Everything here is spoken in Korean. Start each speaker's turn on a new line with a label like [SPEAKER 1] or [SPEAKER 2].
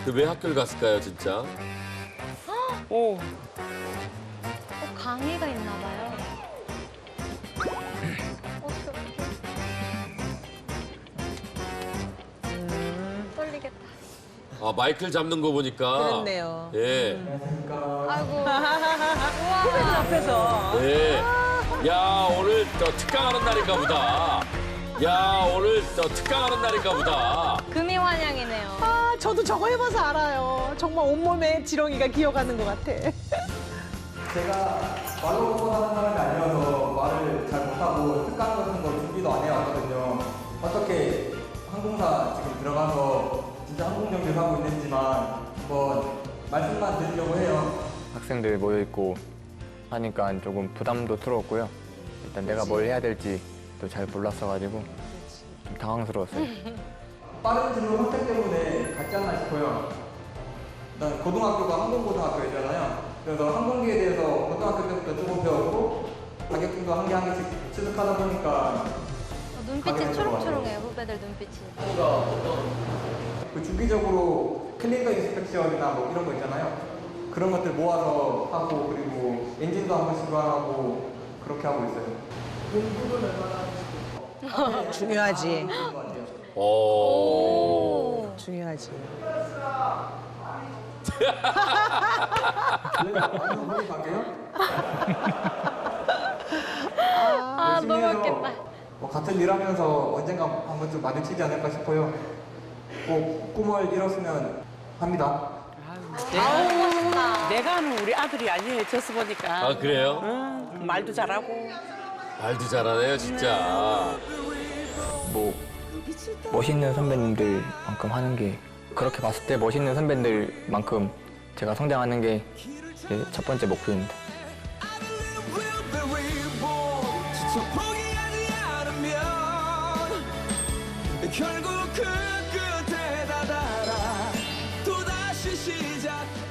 [SPEAKER 1] 왜 학교를 갔을까요, 진짜?
[SPEAKER 2] 오.
[SPEAKER 3] 강의가 있나 봐요. 어떡해. 떨리겠다.
[SPEAKER 1] 아, 마이크를 잡는 거 보니까.
[SPEAKER 2] 그렇네요.
[SPEAKER 1] 예.
[SPEAKER 3] 아이고.
[SPEAKER 2] 후배들
[SPEAKER 3] 우와.
[SPEAKER 2] 앞에서.
[SPEAKER 1] 예. 야, 오늘 특강하는 날인가 보다. 야, 오늘 특강하는 날인가 보다.
[SPEAKER 3] 금이 환영이네요.
[SPEAKER 2] 아, 저도 저거 해봐서 알아요. 정말 온몸에 지렁이가 기어가는 것 같아.
[SPEAKER 4] 제가 말로 보고 하는 사람이 아니어서 말을 잘 못하고 특강 같은 거 준비도 안 해왔거든요. 어떻게 항공사 지금 들어가서 진짜 항공 정비를 하고 있는지만 한번 말씀만 드리려고 해요.
[SPEAKER 5] 학생들 모여있고 하니까 조금 부담도 스러웠고요. 일단 내가 뭘 해야 될지 또 잘 몰랐어가지고 좀 당황스러웠어요.
[SPEAKER 4] 빠른 진로 선택 때문에 같지 않나 싶어요. 일단 고등학교가 항공고등학교잖아요. 그래서 항공기에 대해서 고등학교 때부터 조금 배웠고 자격증도 한 개 한 개씩 취득하다 보니까
[SPEAKER 3] 눈빛이 초롱초롱해요, 후배들 눈빛이.
[SPEAKER 4] 그 주기적으로 클리니컬 인스펙션이나 뭐 이런 거 있잖아요. 그런 것들 모아서 하고 그리고 엔진도 한 번씩 교환하고 그렇게 하고 있어요. 공부는 얼마나
[SPEAKER 2] 중요하지.
[SPEAKER 1] 오.
[SPEAKER 2] 중요하지.
[SPEAKER 4] 한번 갈게요.
[SPEAKER 3] 아, 너무
[SPEAKER 4] 열심히 해서
[SPEAKER 3] 웃겠다.
[SPEAKER 4] 뭐 같은 일 하면서 언젠가 한 번쯤 마주치지 않을까 싶어요. 꼭 꿈을 이뤘으면 합니다.
[SPEAKER 2] 내가 하는 우리 아들이 아니에요. 저스 보니까.
[SPEAKER 1] 아, 그래요?
[SPEAKER 2] 응, 말도 잘하고.
[SPEAKER 1] 말도 잘하네요, 진짜.
[SPEAKER 5] 뭐 멋있는 선배님들만큼 하는 게 그렇게 봤을 때 멋있는 선배들만큼 제가 성장하는 게 제 첫 번째 목표입니다.
[SPEAKER 6] 포기하지 않으면 결국은